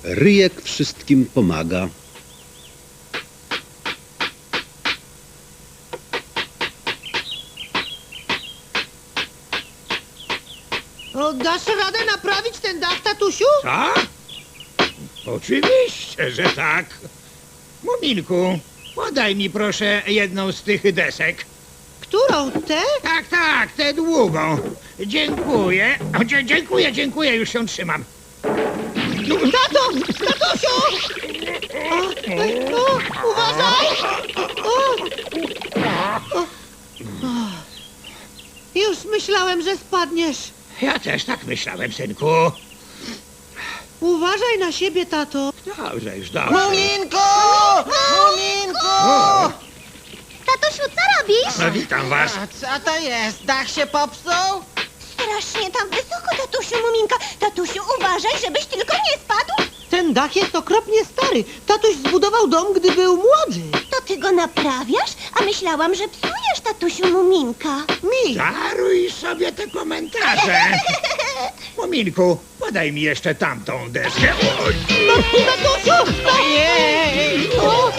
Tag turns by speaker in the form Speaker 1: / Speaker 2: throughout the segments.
Speaker 1: Ryjek wszystkim pomaga.
Speaker 2: O, dasz radę naprawić ten dach, tatusiu?
Speaker 3: Co? Oczywiście, że tak. Muminku, podaj mi proszę jedną z tych desek.
Speaker 2: Którą? Tę?
Speaker 3: Tak, tak, tę długą. Dziękuję. O, dziękuję, już się trzymam.
Speaker 2: Tato! Tatusiu! Uważaj! Już myślałem, że spadniesz.
Speaker 3: Ja też tak myślałem, synku.
Speaker 2: Uważaj na siebie, tato.
Speaker 3: Dobrze, już dobrze.
Speaker 4: Muminku! Muminku!
Speaker 3: O,
Speaker 5: Tatusiu, co robisz?
Speaker 3: no, witam was.
Speaker 4: A co to jest? Dach się popsuł?
Speaker 5: Strasznie tam wysoko, tatusiu Muminka. Tatusiu, uważaj, żebyś tylko nie spadł.
Speaker 2: Ten dach jest okropnie stary. Tatuś zbudował dom, gdy był młody.
Speaker 5: To ty go naprawiasz? A myślałam, że psujesz, tatusiu Muminka.
Speaker 2: Mi.
Speaker 3: Daruj sobie te komentarze. Muminku, podaj mi jeszcze tamtą deskę. Oj,
Speaker 2: Tatusiu!
Speaker 4: Ojej!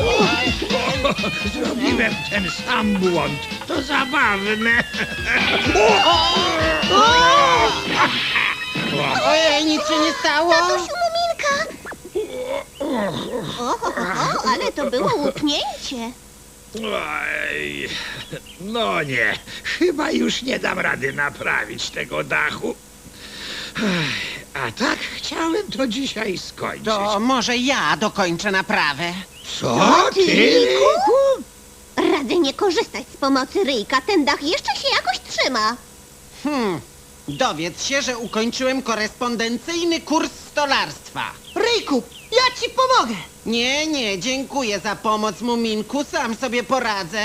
Speaker 3: zrobiłem ten sam błąd. To zabawne.
Speaker 4: Ojej, nic się nie stało?
Speaker 5: Tatusiu Muminka! Oho, ale to było łupnięcie.
Speaker 3: Oj, no nie, chyba już nie dam rady naprawić tego dachu. A tak chciałem to dzisiaj skończyć.
Speaker 4: To może ja dokończę naprawę.
Speaker 3: Co ty, Ryjku?
Speaker 5: Radzę nie korzystać z pomocy Ryjka. Ten dach jeszcze się jakoś trzyma.
Speaker 4: Dowiedz się, że ukończyłem korespondencyjny kurs stolarstwa.
Speaker 2: Ryjku, ja ci pomogę.
Speaker 4: Nie, dziękuję za pomoc, Muminku, sam sobie poradzę.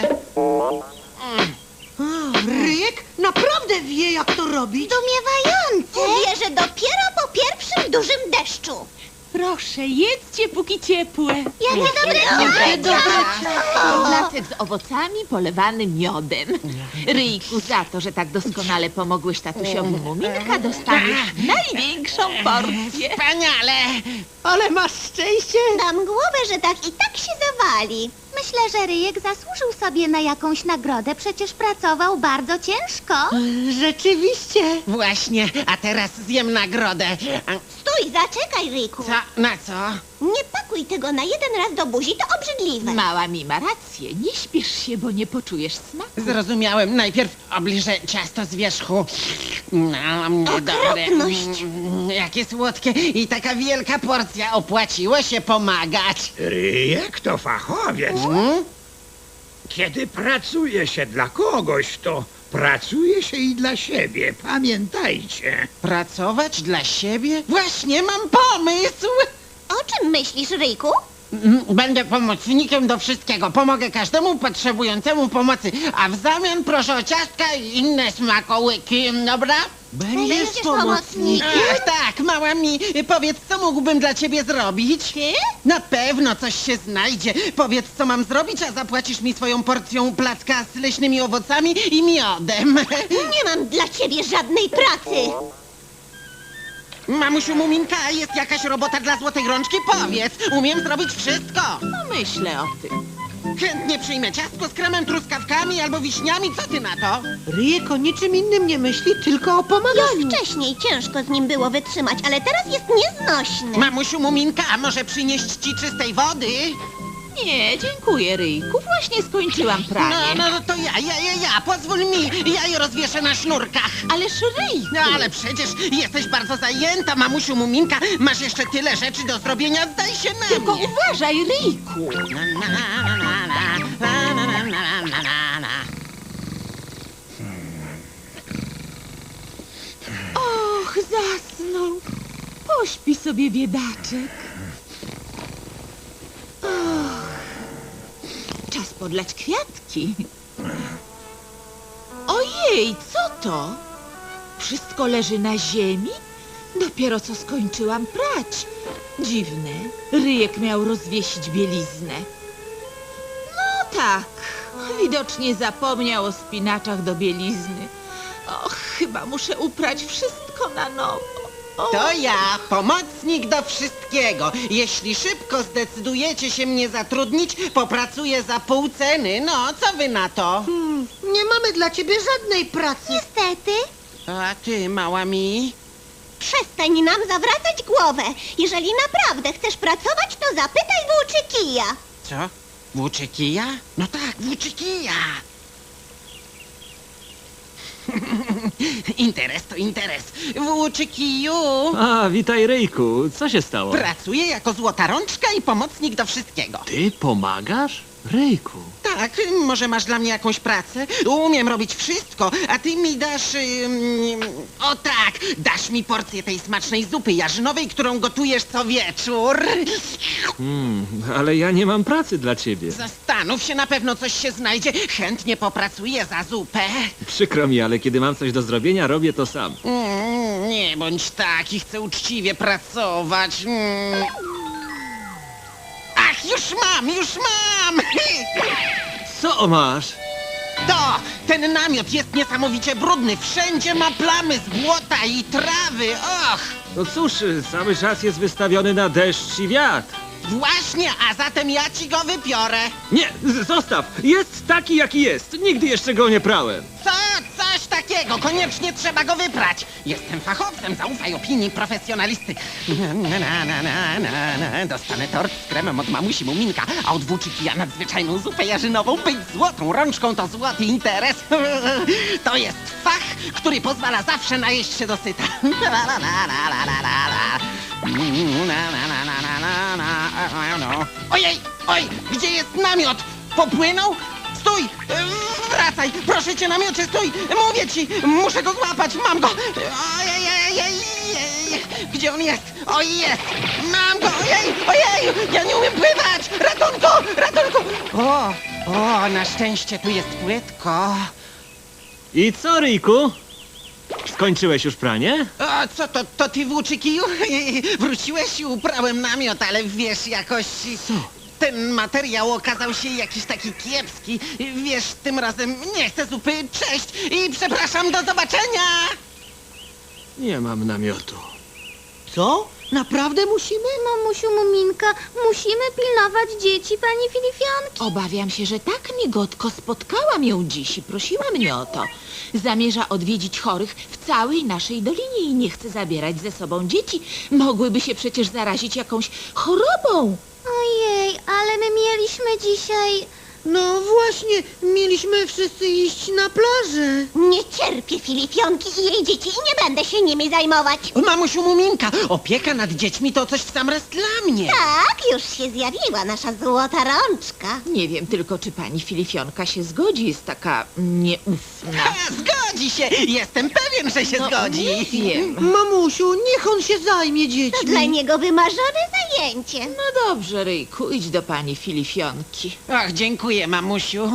Speaker 2: Ryjek naprawdę wie, jak to robić.
Speaker 5: Zdumiewające. Uwierzę dopiero po pierwszym dużym deszczu.
Speaker 6: Proszę, jedzcie póki ciepłe.
Speaker 5: Jakie dobre
Speaker 6: Placek z owocami polewany miodem. Ryjku, za to, że tak doskonale pomogłeś tatusiowi Muminka, dostaniesz największą porcję.
Speaker 4: Wspaniale!
Speaker 2: Ale masz szczęście.
Speaker 5: Dam głowę, że tak i tak się zawali. Myślę, że Ryjek zasłużył sobie na jakąś nagrodę. Przecież pracował bardzo ciężko.
Speaker 2: Rzeczywiście.
Speaker 4: Właśnie, a teraz zjem nagrodę.
Speaker 5: Stój, zaczekaj, Ryjku.
Speaker 4: Co? Na co?
Speaker 5: Nie pakuj tego na jeden raz do buzi, to obrzydliwe.
Speaker 6: Mała mi ma rację, nie śpiesz się, bo nie poczujesz smaku.
Speaker 4: Zrozumiałem. Najpierw obliżę ciasto z wierzchu.
Speaker 5: Okropność.
Speaker 4: Jakie słodkie i taka wielka porcja. Opłaciło się pomagać.
Speaker 3: Ryjek to fachowiec. Kiedy pracuje się dla kogoś, to pracuje się i dla siebie. Pamiętajcie.
Speaker 4: Pracować dla siebie? Właśnie mam pomysł!
Speaker 5: O czym myślisz, Ryjku?
Speaker 4: Będę pomocnikiem do wszystkiego. Pomogę każdemu potrzebującemu pomocy. A w zamian proszę o ciastka i inne smakołyki, dobra?
Speaker 5: Będziesz pomocnikiem?
Speaker 4: Ach, tak, mała mi, powiedz, co mógłbym dla ciebie zrobić?
Speaker 5: Ty?
Speaker 4: Na pewno coś się znajdzie. Powiedz, co mam zrobić, a zapłacisz mi swoją porcją placka z leśnymi owocami i miodem.
Speaker 5: Nie mam dla ciebie żadnej pracy.
Speaker 4: Mamusiu Muminka, jest jakaś robota dla złotej rączki? Powiedz, umiem zrobić wszystko.
Speaker 6: Pomyślę o tym.
Speaker 4: Chętnie przyjmę ciastko z kremem, truskawkami albo wiśniami. Co ty na to?
Speaker 2: Ryjek o niczym innym nie myśli, tylko o pomaganiu.
Speaker 5: Już wcześniej ciężko z nim było wytrzymać, ale teraz jest nieznośny.
Speaker 4: Mamusiu Muminka, a może przynieść ci czystej wody?
Speaker 6: Nie, dziękuję, Ryjku, właśnie skończyłam pranie.
Speaker 4: No to ja, pozwól mi, ja je rozwieszę na sznurkach.
Speaker 6: Ależ Ryjku,
Speaker 4: No ale przecież jesteś bardzo zajęta, mamusiu Muminka. Masz jeszcze tyle rzeczy do zrobienia, zdaj się na
Speaker 6: tylko
Speaker 4: mnie.
Speaker 6: uważaj, Ryjku. Och, zasnął. Pośpi sobie, biedaczek. Czas podlać kwiatki. Ojej, co to? Wszystko leży na ziemi? Dopiero co skończyłam prać. Dziwne. Ryjek miał rozwiesić bieliznę. No tak. Widocznie zapomniał o spinaczach do bielizny. Och, chyba muszę uprać wszystko na nowo.
Speaker 4: To ja, pomocnik do wszystkiego. Jeśli szybko zdecydujecie się mnie zatrudnić, popracuję za pół ceny. No, co wy na to?
Speaker 2: Nie mamy dla ciebie żadnej pracy.
Speaker 5: Niestety,
Speaker 4: A ty, mała mi?
Speaker 5: przestań nam zawracać głowę. Jeżeli naprawdę chcesz pracować, to zapytaj włóczy kija.
Speaker 4: Co? Włóczy kija? No tak, włóczy kija. Interes to interes. Włóczy kiju.
Speaker 7: A, witaj Ryjku, co się stało?
Speaker 4: Pracuję jako złota rączka i pomocnik do wszystkiego.
Speaker 7: Ty pomagasz? Ryjku.
Speaker 4: Tak, może masz dla mnie jakąś pracę? Umiem robić wszystko, a ty mi dasz... o tak, dasz mi porcję tej smacznej zupy jarzynowej, którą gotujesz co wieczór.
Speaker 7: Ale ja nie mam pracy dla ciebie.
Speaker 4: Zastanów się, na pewno coś się znajdzie. Chętnie popracuję za zupę.
Speaker 7: Przykro mi, ale kiedy mam coś do zrobienia, robię to sam.
Speaker 4: Nie bądź taki, chcę uczciwie pracować. Ach, już mam!
Speaker 7: Co masz?
Speaker 4: Ten namiot jest niesamowicie brudny. Wszędzie ma plamy z błota i trawy. Och!
Speaker 7: No cóż, cały czas jest wystawiony na deszcz i wiatr.
Speaker 4: Właśnie, a zatem ja ci go wypiorę.
Speaker 7: Nie, zostaw! Jest taki, jaki jest. Nigdy jeszcze go nie prałem.
Speaker 4: Coś takiego, koniecznie trzeba go wyprać. Jestem fachowcem, zaufaj opinii profesjonalisty. Dostanę tort z kremem od mamusi Muminka, a od włóczy kija nadzwyczajną zupę jarzynową. Być złotą rączką to złoty interes. To jest fach, który pozwala zawsze najeść się dosyta. Oj, gdzie jest namiot? Popłynął? Stój! Wracaj! Proszę cię, namiocie, stój! Mówię ci! Muszę go złapać! Mam go! Ojej! Gdzie on jest? Oj, jest! Mam go! Ojej! Ja nie umiem pływać! Ratunku! O, na szczęście tu jest płytko.
Speaker 7: I co, Ryjku? Skończyłeś już pranie?
Speaker 4: O, co to ty włóczy kiju? Wróciłeś i uprałem namiot, ale wiesz, jakoś...
Speaker 7: Co?
Speaker 4: Ten materiał okazał się jakiś taki kiepski. Wiesz, tym razem nie chcę zupy. Cześć i przepraszam, do zobaczenia!
Speaker 7: Nie mam namiotu.
Speaker 2: Co? Naprawdę musimy?
Speaker 5: mamusiu Muminka, musimy pilnować dzieci pani Filifionki.
Speaker 6: Obawiam się, że tak migotko spotkałam ją dziś i prosiła mnie o to. Zamierza odwiedzić chorych w całej naszej dolinie i nie chce zabierać ze sobą dzieci. Mogłyby się przecież zarazić jakąś chorobą.
Speaker 5: Ojej, ale my mieliśmy dzisiaj...
Speaker 2: No właśnie, mieliśmy wszyscy iść na plażę.
Speaker 5: Nie cierpię Filifionki i jej dzieci i nie będę się nimi zajmować.
Speaker 4: Mamusiu Muminka, opieka nad dziećmi to coś w sam raz dla mnie.
Speaker 5: Tak, już się zjawiła nasza złota rączka.
Speaker 6: Nie wiem tylko, czy pani Filifionka się zgodzi. Jest taka nieufna.
Speaker 4: Zgodzi się! Jestem pewien, że się zgodzi.
Speaker 6: Nie wiem.
Speaker 2: Mamusiu, niech on się zajmie
Speaker 5: To
Speaker 2: dziećmi.
Speaker 5: dla niego wymarzone zajęcie.
Speaker 6: No dobrze, Ryjku, idź do pani Filifionki.
Speaker 4: Ach, dziękuję, mamusiu.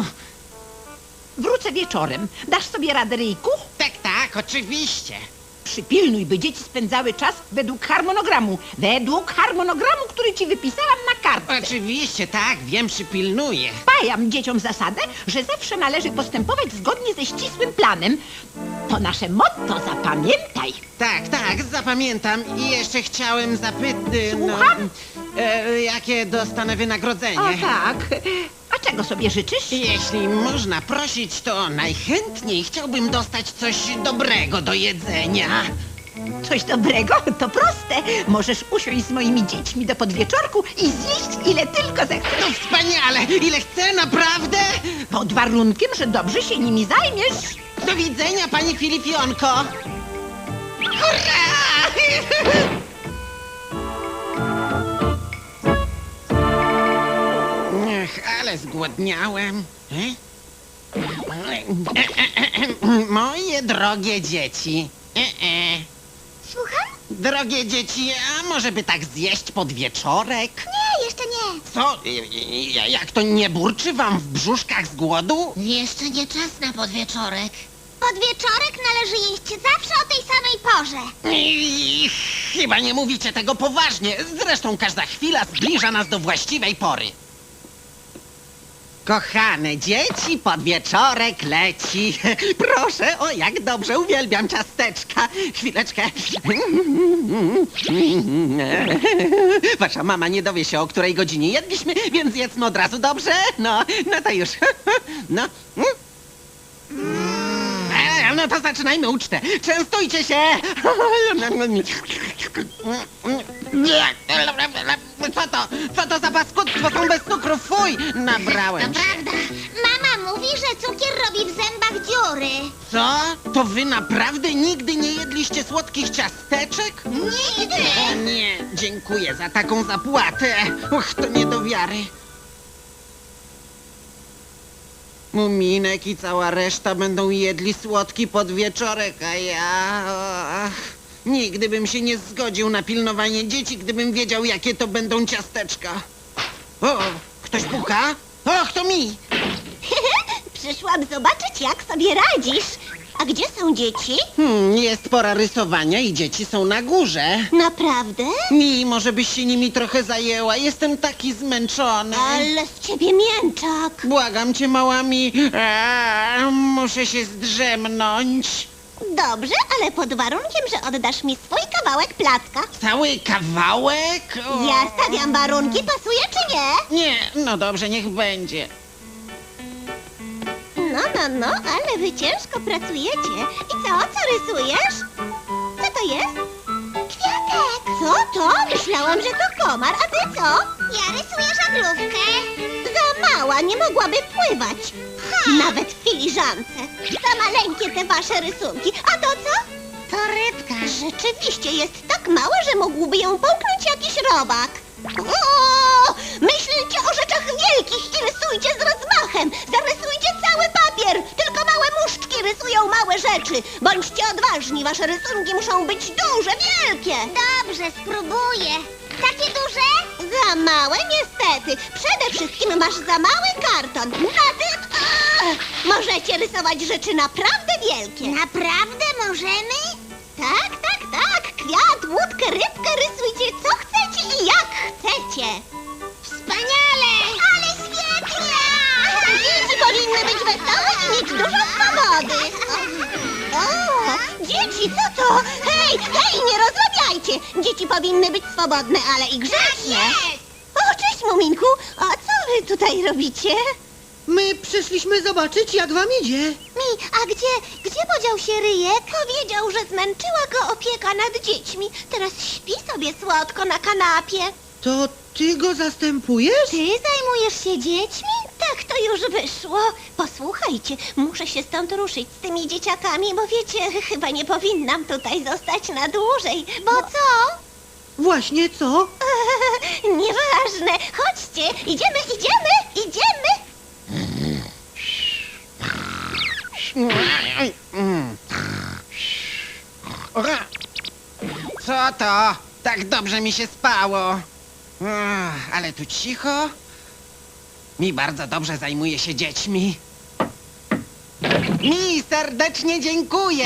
Speaker 8: Wrócę wieczorem. Dasz sobie radę, Ryjku?
Speaker 4: Tak, oczywiście.
Speaker 8: Przypilnuj, by dzieci spędzały czas według harmonogramu. Według harmonogramu, który ci wypisałam na kartce.
Speaker 4: Oczywiście, tak, wiem, przypilnuję.
Speaker 8: Wpajam dzieciom zasadę, że zawsze należy postępować zgodnie ze ścisłym planem. To nasze motto, zapamiętaj.
Speaker 4: Tak, zapamiętam. I jeszcze chciałem zapytać...
Speaker 8: Słucham?
Speaker 4: Jakie dostanę wynagrodzenie?
Speaker 8: O tak. A czego sobie życzysz?
Speaker 4: Jeśli można prosić, to najchętniej chciałbym dostać coś dobrego do jedzenia.
Speaker 8: Coś dobrego? To proste. Możesz usiąść z moimi dziećmi do podwieczorku i zjeść ile tylko zechcesz.
Speaker 4: No wspaniale! Ile chcę, naprawdę?
Speaker 8: Pod warunkiem, że dobrze się nimi zajmiesz.
Speaker 4: Do widzenia, pani Filifionko! Hurra! Ech, ale zgłodniałem. Moje drogie dzieci.
Speaker 5: Słucham?
Speaker 4: Drogie dzieci, a może by tak zjeść podwieczorek?
Speaker 5: Nie, jeszcze nie.
Speaker 4: Co? Jak to nie burczy wam w brzuszkach z głodu?
Speaker 5: Jeszcze nie czas na podwieczorek. Podwieczorek należy jeść zawsze o tej samej porze.
Speaker 4: Chyba nie mówicie tego poważnie. Zresztą każda chwila zbliża nas do właściwej pory. Kochane dzieci, podwieczorek leci. Proszę, o jak dobrze, uwielbiam ciasteczka. Chwileczkę. Wasza mama nie dowie się, o której godzinie jedliśmy, więc jedzmy od razu, dobrze? No to już. No. No to zaczynajmy ucztę. Częstujcie się. Co to za paskudstwo? Są bez cukru, fuj! Nabrałem się.
Speaker 5: Prawda. Mama mówi, że cukier robi w zębach dziury.
Speaker 4: Co? To wy naprawdę nigdy nie jedliście słodkich ciasteczek?
Speaker 5: Nigdy!
Speaker 4: O nie, dziękuję za taką zapłatę. Och, to nie do wiary. Muminek i cała reszta będą jedli słodki podwieczorek, a ja... Ach, nigdy bym się nie zgodził na pilnowanie dzieci, gdybym wiedział, jakie to będą ciasteczka. O, ktoś puka? Och, to mi!
Speaker 5: Przyszłam zobaczyć, jak sobie radzisz. A gdzie są dzieci?
Speaker 4: Jest pora rysowania i dzieci są na górze.
Speaker 5: Naprawdę?
Speaker 4: Mi, może byś się nimi trochę zajęła. Jestem taki zmęczony.
Speaker 5: Ale z ciebie mięczak.
Speaker 4: Błagam cię, małami. Muszę się zdrzemnąć.
Speaker 5: Dobrze, ale pod warunkiem, że oddasz mi swój kawałek placka.
Speaker 4: Cały kawałek? O.
Speaker 5: Ja stawiam warunki, pasuje czy nie?
Speaker 4: Nie, no dobrze, niech będzie.
Speaker 5: No, ale wy ciężko pracujecie. I co rysujesz? Co to jest? Kwiatek. Co to? Myślałam, że to komar, a ty co? Ja rysuję żaglówkę. Za mała, nie mogłaby pływać. Nawet w filiżance. Za maleńkie te wasze rysunki. A to co? To rybka. Rzeczywiście jest tak mała, że mógłby ją połknąć jakiś robak. O! Myślcie o rzeczach wielkich i rysujcie z rozmachem. Zarysujcie cały papier. Tylko małe muszczki rysują małe rzeczy. Bądźcie odważni, wasze rysunki muszą być duże, wielkie. Dobrze, spróbuję. Takie duże? Za małe, niestety. Przede wszystkim masz za mały karton. Na tym możecie rysować rzeczy naprawdę wielkie. Naprawdę możemy? Tak. Kwiat, łódkę, rybkę, rysujcie co chcecie i jak chcecie. Wspaniale! Ale świetnie! Dzieci powinny być wesołe i mieć dużo swobody. O, dzieci, co to? Hej, nie rozrabiajcie! Dzieci powinny być swobodne, ale i grzeczne. O, cześć, Muminku. A co wy tutaj robicie?
Speaker 2: My przyszliśmy zobaczyć, jak wam idzie.
Speaker 5: A gdzie podział się Ryjek? Powiedział, że zmęczyła go opieka nad dziećmi. Teraz śpi sobie słodko na kanapie.
Speaker 2: To ty go zastępujesz?
Speaker 5: Ty zajmujesz się dziećmi? Tak to już wyszło. Posłuchajcie, muszę się stąd ruszyć z tymi dzieciakami, bo wiecie, chyba nie powinnam tutaj zostać na dłużej. Bo co?
Speaker 2: Właśnie co?
Speaker 5: Nieważne. Chodźcie, idziemy.
Speaker 4: Co to? Tak dobrze mi się spało. Ale tu cicho. Mi bardzo dobrze zajmuje się dziećmi. Mi serdecznie dziękuję.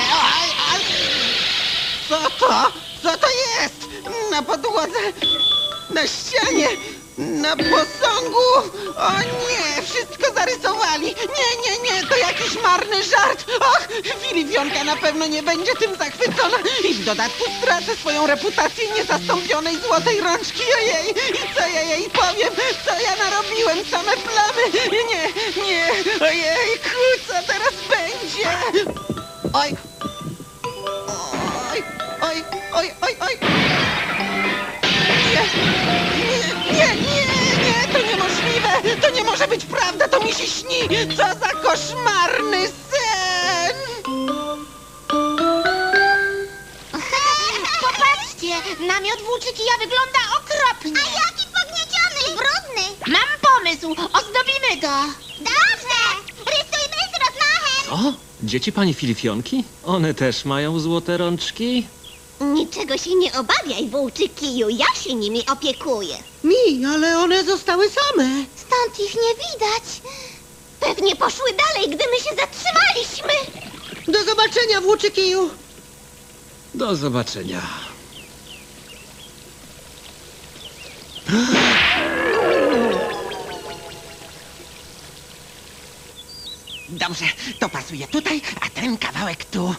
Speaker 4: Co to? Co to jest? Na podłodze, na ścianie, na posągu. O nie, wszystko zarysowali. Nie, to jakiś marny żart. Och, Filipionka na pewno nie będzie tym zachwycona. I w dodatku stracę swoją reputację niezastąpionej złotej rączki. Ojej, i co ja jej powiem? Co ja narobiłem? Same plamy. Nie, ojejku, co teraz będzie? Oj. Nie, to niemożliwe! To nie może być prawda, to mi się śni! Co za koszmarny sen!
Speaker 5: Popatrzcie, namiot włóczykija wygląda okropnie. A jaki pognieciony i brudny.
Speaker 6: Mam pomysł, ozdobimy go.
Speaker 5: Dobrze, rysujmy z rozmachem.
Speaker 7: O, dzieci pani Filipionki? One też mają złote rączki?
Speaker 5: Niczego się nie obawiaj, włóczykiju, ja się nimi opiekuję.
Speaker 2: Ale one zostały same.
Speaker 5: Stąd ich nie widać. Pewnie poszły dalej, gdy my się zatrzymaliśmy.
Speaker 2: Do zobaczenia, włóczykiju.
Speaker 7: Do zobaczenia.
Speaker 4: Dobrze, to pasuje tutaj, a ten kawałek tu.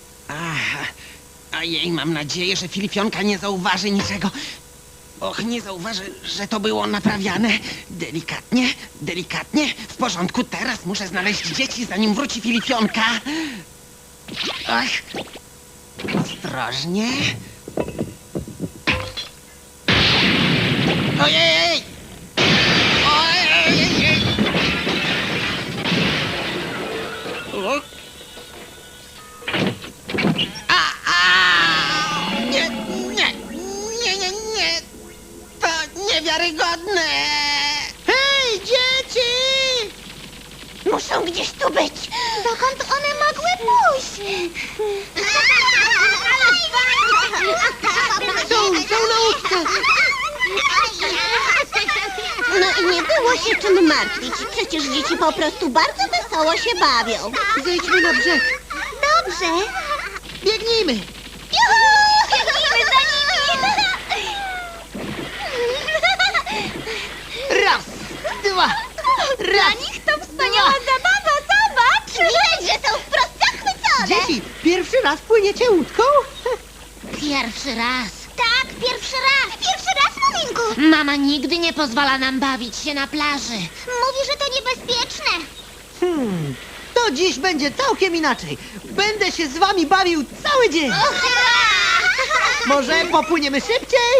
Speaker 4: Ojej, mam nadzieję, że Filipionka nie zauważy niczego. Och, nie zauważy, że to było naprawiane. Delikatnie, delikatnie. W porządku, teraz muszę znaleźć dzieci, zanim wróci Filipionka. Ach, ostrożnie. Ojej! Ojej! O. Nie, nie, nie, nie, nie. To niewiarygodne.
Speaker 2: Hej, dzieci!
Speaker 5: Muszą gdzieś tu być. Dokąd one mogły pójść?
Speaker 2: Są na łódce.
Speaker 5: No i nie było się czym martwić. Przecież dzieci po prostu bardzo wesoło się bawią.
Speaker 2: Zejdźmy na brzeg.
Speaker 5: Dobrze.
Speaker 2: Biegnijmy.
Speaker 5: Juhu! Biegnijmy za nimi!
Speaker 2: Raz, dwa,
Speaker 5: Dla nich to wspaniała zabawa, zobacz! Widać, że są wprost zachwycone!
Speaker 2: dzieci, pierwszy raz płyniecie łódką?
Speaker 5: Pierwszy raz. Tak, pierwszy raz. Pierwszy raz, Muminku. Mama nigdy nie pozwala nam bawić się na plaży. Mówi, że to niebezpieczne.
Speaker 2: To dziś będzie całkiem inaczej. Będę się z wami bawił cały dzień. Może popłyniemy szybciej?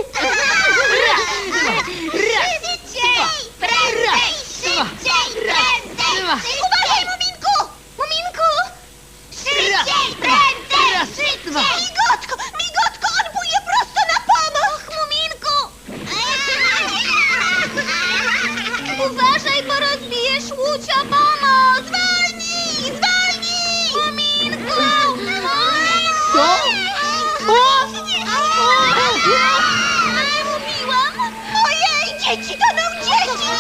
Speaker 5: Szybciej! Prędzej! Szybciej! Prędzej! Uważaj, Muminku! Muminku! Szybciej! Prędzej! Szybciej! Migotko! Migotko! On płynie prosto na pomoc! Muminku! Uważaj, bo rozbijesz łódź o pomoc! Zwolnij! Zwolnij! Muminku!
Speaker 2: Co?
Speaker 5: Mówiłam! Ojej, dzieci toną! Dzieci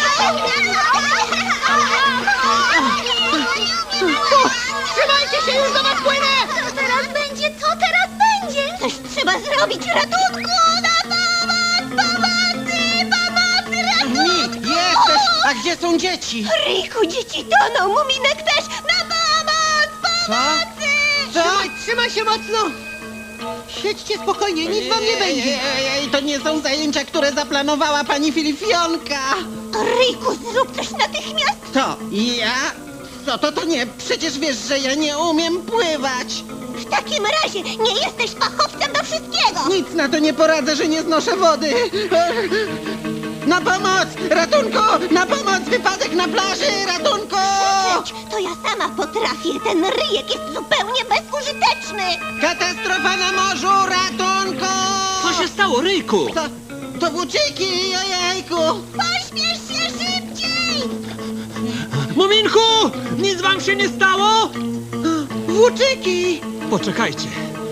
Speaker 2: Trzymajcie się, już do was płynę!
Speaker 5: Co teraz będzie? Co teraz będzie? Coś trzeba zrobić! Ratunku! Na pomoc! Pomocy! Pomocy! Ratunku!
Speaker 4: Jesteś! A gdzie są dzieci?
Speaker 5: Ryjku, dzieci toną! Muminek też! Na pomoc! Pomocy!
Speaker 4: Co?
Speaker 2: Trzymaj się mocno! Siedźcie spokojnie, nic wam nie będzie.
Speaker 4: Ej, to nie są zajęcia, które zaplanowała pani Filipionka.
Speaker 5: Ryjku, zrób coś natychmiast!
Speaker 4: To ja? Co to nie? Przecież wiesz, że ja nie umiem pływać.
Speaker 5: W takim razie nie jesteś fachowcem do wszystkiego!
Speaker 4: Nic na to nie poradzę, że nie znoszę wody. Na pomoc! Ratunku! Na pomoc! Wypadek na plaży! Ratunku!
Speaker 5: Krzyczeć, to ja sama potrafię. Ten ryjek jest zupełnie bezużyteczny.
Speaker 4: Katastrofa na morzu! Ratunku!
Speaker 7: Co się stało, Ryjku?
Speaker 4: To włóczyki! Ojejku!
Speaker 5: Pośpiesz się szybciej!
Speaker 7: Muminku! Nic wam się nie stało?
Speaker 2: Włóczyki!
Speaker 7: Poczekajcie.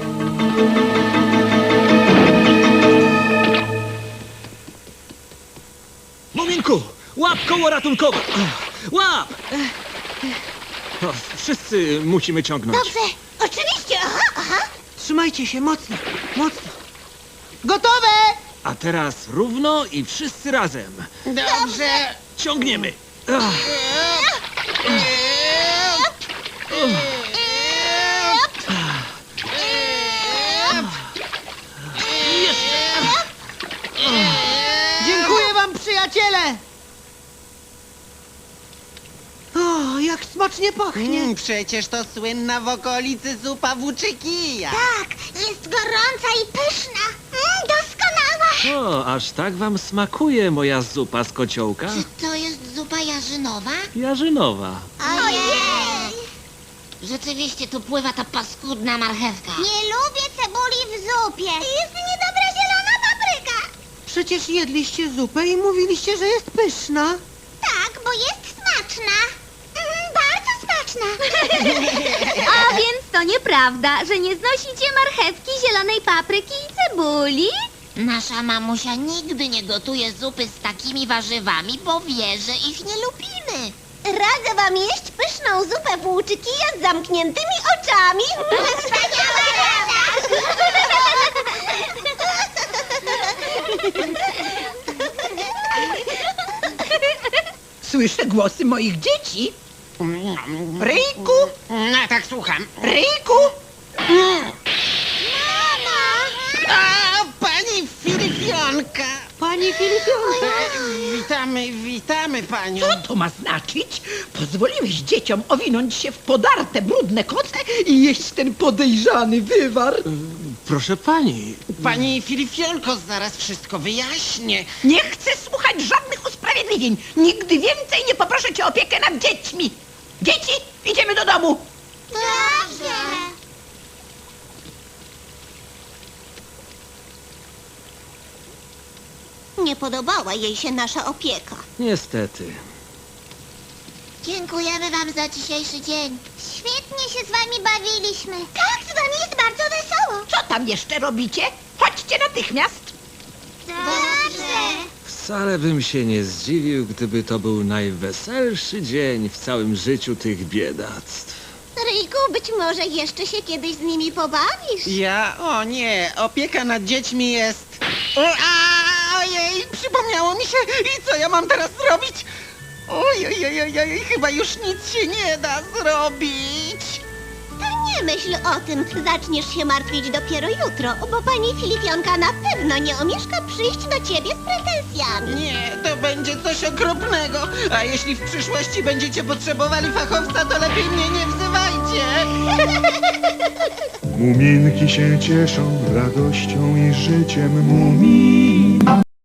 Speaker 7: Muminku! Łap koło ratunkowe! Łap! O, wszyscy musimy ciągnąć.
Speaker 5: Dobrze, oczywiście, aha.
Speaker 2: Trzymajcie się mocno, mocno. Gotowe!
Speaker 7: A teraz równo i wszyscy razem.
Speaker 4: Dobrze!
Speaker 7: Ciągniemy. Jeszcze.
Speaker 2: Dziękuję wam, przyjaciele! O, jak smacznie pachnie.
Speaker 4: Przecież to słynna w okolicy zupa włóczykija.
Speaker 5: Tak, jest gorąca i pyszna. Doskonała.
Speaker 7: O, aż tak wam smakuje moja zupa z kociołka?
Speaker 5: To jest zupa jarzynowa?
Speaker 7: Jarzynowa.
Speaker 5: Ojej! Rzeczywiście tu pływa ta paskudna marchewka. Nie lubię cebuli w zupie. Jest niedobra zielona papryka.
Speaker 2: Przecież jedliście zupę i mówiliście, że jest pyszna.
Speaker 5: Tak, bo jest smaczna. Bardzo smaczna. A więc to nieprawda, że nie znosicie marchewki, zielonej papryki i cebuli? Nasza mamusia nigdy nie gotuje zupy z takimi warzywami, bo wie, że ich nie lubimy. Radzę wam jeść pyszną zupę włóczykija z zamkniętymi oczami. Wspaniała rada!
Speaker 8: Słyszę głosy moich dzieci. Ryjku,
Speaker 4: No tak, słucham.
Speaker 8: Ryjku!
Speaker 4: A, pani Filipionka!
Speaker 2: Pani Filipionka.
Speaker 4: Witamy panią.
Speaker 8: Co to ma znaczyć? Pozwoliłeś dzieciom owinąć się w podarte, brudne koce i jeść ten podejrzany wywar?
Speaker 7: Proszę pani,
Speaker 4: Pani Filipionko, zaraz wszystko wyjaśnię.
Speaker 8: Nie chcę słuchać żadnych usprawiedliwień. Nigdy więcej nie poproszę cię o opiekę nad dziećmi. Dzieci, idziemy do domu.
Speaker 5: Dobrze. Nie podobała jej się nasza opieka.
Speaker 7: niestety.
Speaker 5: Dziękujemy wam za dzisiejszy dzień. Świetnie się z wami bawiliśmy. Tak, z wami jest bardzo wesoło.
Speaker 8: Co tam jeszcze robicie? Chodźcie natychmiast.
Speaker 5: Dobrze.
Speaker 7: Wcale bym się nie zdziwił, gdyby to był najweselszy dzień w całym życiu tych biedactw.
Speaker 5: Ryjku, być może jeszcze się kiedyś z nimi pobawisz.
Speaker 4: O nie, opieka nad dziećmi jest... Ojej, przypomniało mi się. I co ja mam teraz zrobić? Oj, chyba już nic się nie da zrobić.
Speaker 5: To nie myśl o tym. Zaczniesz się martwić dopiero jutro, bo pani Filipionka na pewno nie omieszka przyjść do ciebie z pretensjami.
Speaker 4: Nie, to będzie coś okropnego. A jeśli w przyszłości będziecie potrzebowali fachowca, to lepiej mnie nie wzywajcie.
Speaker 9: Muminki się cieszą radością i życiem mumin.